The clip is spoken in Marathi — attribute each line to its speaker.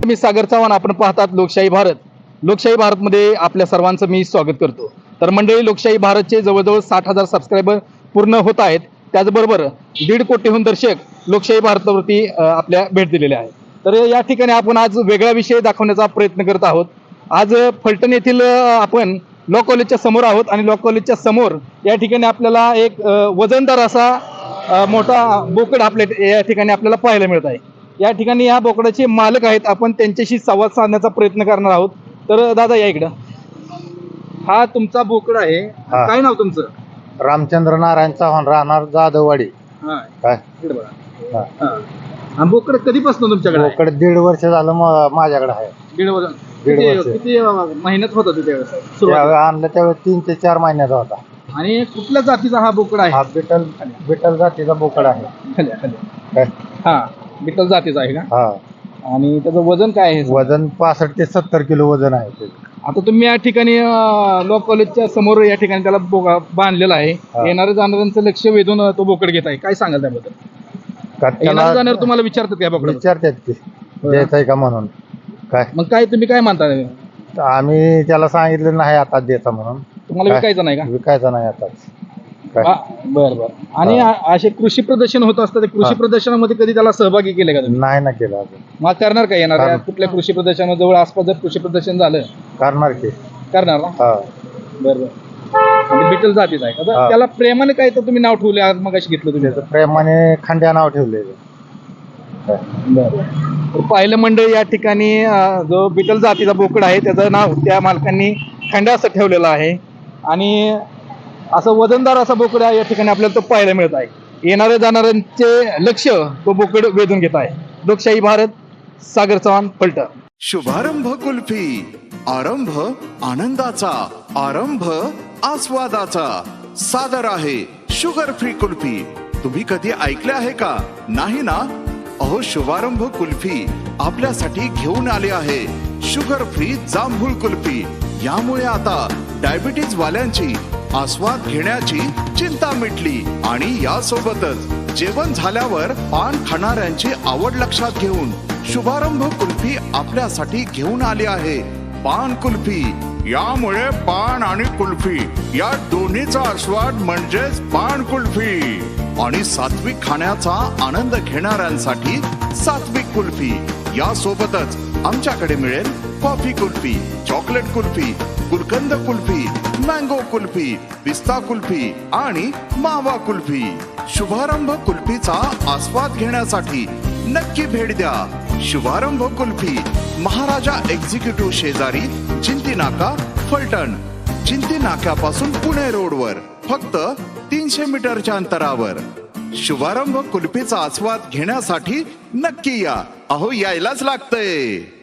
Speaker 1: मी सागर चव्हाण, आपण पाहतात लोकशाही भारत. लोकशाही भारतमध्ये आपल्या सर्वांचं मी स्वागत करतो. तर मंडळी, लोकशाही भारतचे जवळजवळ 60,000 सबस्क्रायबर पूर्ण होत आहेत. त्याचबरोबर 1.5 कोटीहून दर्शक लोकशाही भारतावरती आपल्या भेट दिलेले आहेत. तर या ठिकाणी आपण आज वेगळा विषय दाखवण्याचा प्रयत्न करत आहोत. आज फलटण येथील आपण लॉ कॉलेजच्या समोर आहोत आणि लॉ कॉलेजच्या समोर या ठिकाणी आपल्याला एक वजनदार असा मोठा बोकड आपल्या या ठिकाणी आपल्याला पाहायला मिळत आहे. या ठिकाणी या बोकडाचे मालक आहेत, आपण त्यांच्याशी संवाद साधण्याचा प्रयत्न करणार आहोत. तर दादा या इकडं, हा तुमचा बोकड आहे, काय नाव तुमचं?
Speaker 2: रामचंद्र नारायण चव्हाण, राहणार जाधववाडी. काय
Speaker 1: बोकड कधीपासून तुमच्याकडे?
Speaker 2: बोकड 1.5 वर्ष झालं माझ्याकडे आहे.
Speaker 1: 1.5 वर्ष.
Speaker 2: 1.5 वर्ष.
Speaker 1: किती महिन्यात होता त्यावेळेस
Speaker 2: त्यावेळी आणलं त्यावेळी 3 ते 4 महिन्याचा होता.
Speaker 1: आणि कुठल्या जातीचा हा बोकड आहे?
Speaker 2: हा बिटल जातीचा बोकड आहे. काय?
Speaker 1: हा बिटल जातीचा आहे का?
Speaker 2: हा.
Speaker 1: आणि त्याचं वजन काय आहे?
Speaker 2: वजन 65 ते 70 किलो वजन आहे ते.
Speaker 1: आता तुम्ही या ठिकाणी लॉ कॉलेजच्या समोर या ठिकाणी त्याला बांधलेला आहे. येणाऱ्या जाणाऱ्यांचं लक्ष वेधून तो बोकड घेत आहे, काय सांगाल त्याबद्दल? येणाऱ्या जाणार तुम्हाला विचारतात काय बोकड?
Speaker 2: विचारतात की द्यायचं आहे का म्हणून. काय
Speaker 1: मग काय तुम्ही काय मानता?
Speaker 2: आम्ही त्याला सांगितलं नाही आता द्यायचा म्हणून.
Speaker 1: तुम्हाला विकायचं नाही का?
Speaker 2: विकायचा नाही आता.
Speaker 1: बरं बरं. आणि असे कृषी प्रदर्शन होत असतात, कृषी प्रदर्शनामध्ये कधी त्याला सहभागी केले का तुम्ही?
Speaker 2: नाही ना केलं अजून.
Speaker 1: मग करणार का? येणार कुठल्या कृषी प्रदर्शनामध्ये जवळ आसपास जर कृषी प्रदर्शन झालं
Speaker 2: करणार की?
Speaker 1: करणार ना? बरं बरं. म्हणजे बिटल जातीचा आहे का? त्याला प्रेमाने काय तर तुम्ही नाव ठेवले आज मग घेतलं तुम्ही?
Speaker 2: प्रेमाने खंड्या नाव ठेवलेलं.
Speaker 1: बरं. पाहिलं मंडळी, या ठिकाणी जो बिटल जातीचा बोकड आहे त्याचं नाव त्या मालकांनी खंड्या असं ठेवलेलं आहे. आणि असं वजनदार असा बोकड या ठिकाणी आपल्याला तो पाहायला मिळत आहे. येणाऱ्या जाणाऱ्यांचे लक्ष तो बोकड वेधून घेत आहे. लोकशाही भारत, सागर चव्हाण, फलटण.
Speaker 3: शुभारंभ कुल्फी, आरंभ आनंदाचा, आरंभ आस्वादाचा. सादर आहे शुगर फ्री कुल्फी. तुम्ही कधी ऐकले आहे का? नाही ना? अहो, शुभारंभ कुल्फी आपल्यासाठी घेऊन आले आहे शुगर फ्री जांभूळ कुल्फी. यामुळे आता डायबिटीज वाल्यांची आस्वाद घेण्याची चिंता मिटली. आणि यासोबतच जेवण झाल्यावर पान खाणाऱ्यांची आवड लक्षात घेऊन शुभारंभ कुल्फी आपल्यासाठी घेऊन आली आहे पान कुल्फी. यामुळे पान आणि कुल्फी या दोन्हीचा आस्वाद म्हणजेच पान कुल्फी. आणि सात्विक खाण्याचा आनंद घेणाऱ्यांसाठी सात्विक कुल्फी. यासोबतच आमच्याकडे मिळेल coffee kulfi, chocolate kulfi, gulkand kulfi, mango kulfi, पिस्ता कुल्फी आणि मावा कुल्फी. शुभारंभ कुल्फीचा आस्वाद घेण्यासाठी नक्की भेट द्या. शुभारंभ कुल्फी, महाराजा एक्झिक्युटिव्ह शेजारी, जिंती नाका, फलटण. जिंती नाक्यापासून पुणे रोडवर फक्त 300 मीटरच्या अंतरावर. शुभारंभ कुल्फीचा आस्वाद घेण्यासाठी नक्की या. अहो, यायलाच लागतंय.